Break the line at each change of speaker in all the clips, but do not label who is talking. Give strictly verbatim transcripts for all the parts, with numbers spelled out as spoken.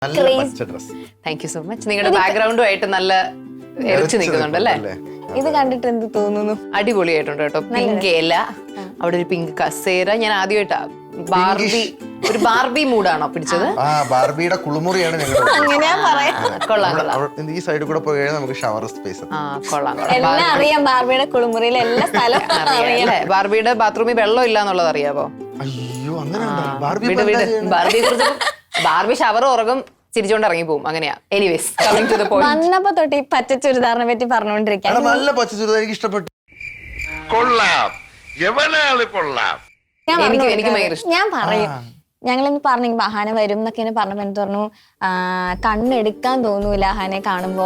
Thank you so much. നിങ്ങളുടെ ബാക്ക്ഗ്രൗണ്ടുമായിട്ട് നല്ല എറിച്ചു നിൽക്കുന്നുണ്ട് അല്ലേ?
ഇത് കണ്ടിട്ട് എന്ത് തോന്നുന്നു?
അടിപൊളിയായിട്ടുണ്ട് കേട്ടോ. പിങ്ക് ഇല, അവിടെ ഒരു പിങ്ക് കസേര. ഞാൻ ആദ്യമായിട്ടാ ബാർബി, ഒരു ബാർബി മൂഡാണോ പിടിച്ചത്?
ആ ബാർബിയുടെ കുളിമുറിയാണ് ഞങ്ങളുടെ.
അങ്ങനെയാ പറയാ.
കൊള്ളാം കൊള്ളാം.
ഈ സൈഡിൽ കൂടെ പോയി കഴിഞ്ഞാൽ നമുക്ക് ഷവർ സ്പേസ്.
ആ കൊള്ളാം.
എല്ലാം അറിയാം, ബാർബിയുടെ കുളിമുറിയിലെ എല്ലാ സ്ഥലവും അറിയാം.
ബാർബിയുടെ ബാത്റൂമിൽ വെള്ളം ഇല്ല എന്നുള്ളത് അറിയാവോ?
അയ്യോ അങ്ങനെ ബാർബി
ബാർബിയെ കുറിച്ച് ബാർബി ഷവർ ഉറങ്ങും, ചിരിച്ചോണ്ട് ഇറങ്ങി പോകും. അങ്ങനെയാ. Anyways coming to the point.
വന്നപ്പോ തൊട്ട് ഈ പച്ച ചുരിദാറിനെ പറ്റി പറഞ്ഞുകൊണ്ടിരിക്കാം.
നല്ല പച്ച ചുരിദാർ എനിക്ക് ഇഷ്ടപ്പെട്ടു.
കൊള്ളാം, എവനാള് കൊള്ളാം.
എനിക്ക് എനിക്ക് ഭയങ്കര ഇഷ്ടം.
ഞാൻ പറയും, ഞങ്ങളിന്ന് പറഞ്ഞു ബഹാന വരും എന്നൊക്കെ പറഞ്ഞപ്പോ എനിക്ക് പറഞ്ഞു കണ്ണെടുക്കാൻ തോന്നൂല ഹാനെ കാണുമ്പോ,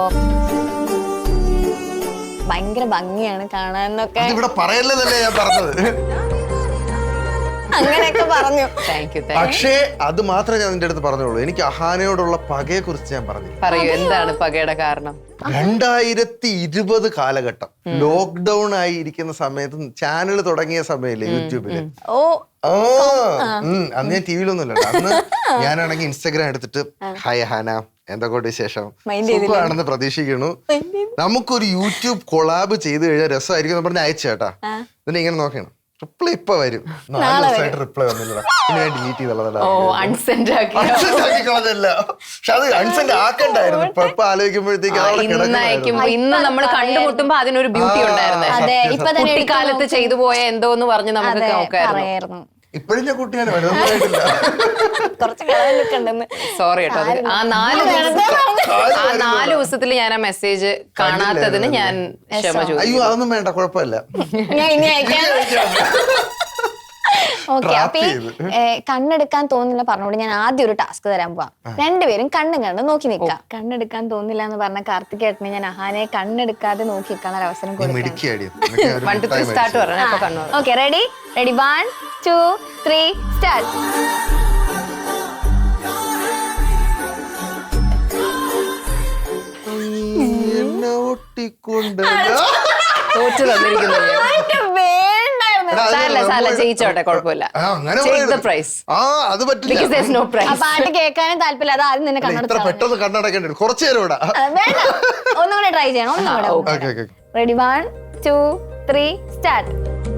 ഭയങ്കര ഭംഗിയാണ് കാണാന്നൊക്കെ.
ഇവിടെ പറയല്ലേ ഞാൻ പറഞ്ഞത്.
അങ്ങനെയൊക്കെ പറഞ്ഞു.
പക്ഷേ അത് മാത്രമേ ഞാൻ നിന്റെ അടുത്ത് പറഞ്ഞോളൂ. എനിക്ക് അഹാനയോടുള്ള പകയെ കുറിച്ച് ഞാൻ പറഞ്ഞു.
പറയൂ, എന്താണ് പകയുടെ കാരണം?
രണ്ടായിരത്തി ഇരുപത് കാലഘട്ടം ലോക്ക്ഡൌൺ ആയി ഇരിക്കുന്ന സമയത്ത് ചാനൽ തുടങ്ങിയ സമയല്ലേ യൂട്യൂബില്.
ഓ
ആ അന്ന് ഞാൻ ടി വിയിലൊന്നുമില്ല. അന്ന് ഞാനാണെങ്കിൽ ഇൻസ്റ്റാഗ്രാം എടുത്തിട്ട് ഹായ് അഹാന, എന്തൊക്കെ വിശേഷം, സുഖമാണെന്ന് പ്രതീക്ഷിക്കുന്നു, നമുക്കൊരു യൂട്യൂബ് കൊളാബ് ചെയ്ത് കഴിഞ്ഞാൽ രസമായിരിക്കും എന്ന് പറഞ്ഞ് അയച്ചേട്ടാ. എന്നിട്ട് ഇങ്ങനെ നോക്കണം, റിപ്ലൈ ഇപ്പൊ വരും. നാല് ദിവസമായിട്ട് റിപ്ലൈ വന്നില്ല. പിന്നെ ഞാൻ ഡിലീറ്റ് ചെയ്തല്ല.
അൺസെൻഡ് ആക്കി
കളഞ്ഞല്ല. പക്ഷെ അത് അൺസെൻഡ് ആക്കണ്ടായിരുന്നു. ഇപ്പൊ ഇപ്പൊ ആലോചിക്കുമ്പോഴത്തേക്ക്
ഇന്ന് നമ്മൾ കണ്ടുമുട്ടുമ്പോ അതിനൊരു ബ്യൂട്ടി ഉണ്ടായിരുന്നു. കുട്ടിക്കാലത്ത് ചെയ്തു പോയ എന്തോ എന്ന് പറഞ്ഞ് നമുക്ക് നോക്കായിരുന്നു.
ഇപ്പഴും ഞാൻ കുട്ടിയാണ് വലുതായിട്ടില്ല.
സോറി കേട്ടോ. ആ നാല് ആ നാല് ദിവസത്തിൽ ഞാൻ ആ മെസ്സേജ് കാണാത്തതിന് ഞാൻ ക്ഷമ ചോദിച്ചു.
അയ്യോ അതൊന്നും വേണ്ട, കുഴപ്പമില്ല.
ഓക്കെ, അപ്പൊ ഈ കണ്ണെടുക്കാൻ തോന്നില്ല പറഞ്ഞോണ്ട് ഞാൻ ആദ്യം ഒരു ടാസ്ക് തരാൻ പോവാം. രണ്ടുപേരും കണ്ണും കണ്ട് നോക്കി നിൽക്കാം. കണ്ണെടുക്കാൻ തോന്നില്ല എന്ന് പറഞ്ഞ കാർത്തികേട്ടനെ ഞാൻ അഹാനെ കണ്ണെടുക്കാതെ നോക്കി നിൽക്കാൻ ഒരു അവസരം കൊടുക്കാം. Okay, ready ready one two three start.
തോറ്റു തന്നിരിക്കുന്നു. ജയിച്ചോട്ടെ, കുഴപ്പമില്ല.
പാട്ട് കേൾക്കാനും താല്പര്യം. അത് ആദ്യം നിന്നെ
പെട്ടെന്ന് കണ്ണടക്കേണ്ടി കുറച്ചു നേരം ഇവിടെ.
ഒന്നും കൂടെ ട്രൈ ചെയ്യണം. ഒന്നും കൂടെ. Ready one two three start.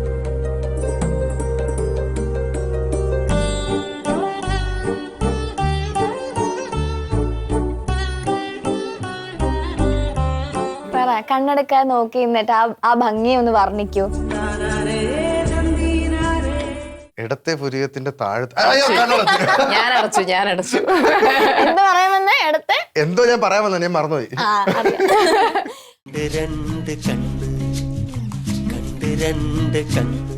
കണ്ണെടുക്കാൻ നോക്കി എന്നിട്ട് ആ ഭംഗി ഒന്ന് വർണ്ണിക്കൂ.
ഇടത്തെ പുരികത്തിന്റെ താഴത്ത്
ഞാൻ അടച്ചു ഞാൻ അടച്ചു
എന്താ പറയാമെന്ന് ഇടത്തെ
എന്തോ ഞാൻ പറയാമെന്ന് ഞാൻ മറന്നുപോയി.
രണ്ട് കണ്ണ് കണ്ട് രണ്ട് കണ്ണ്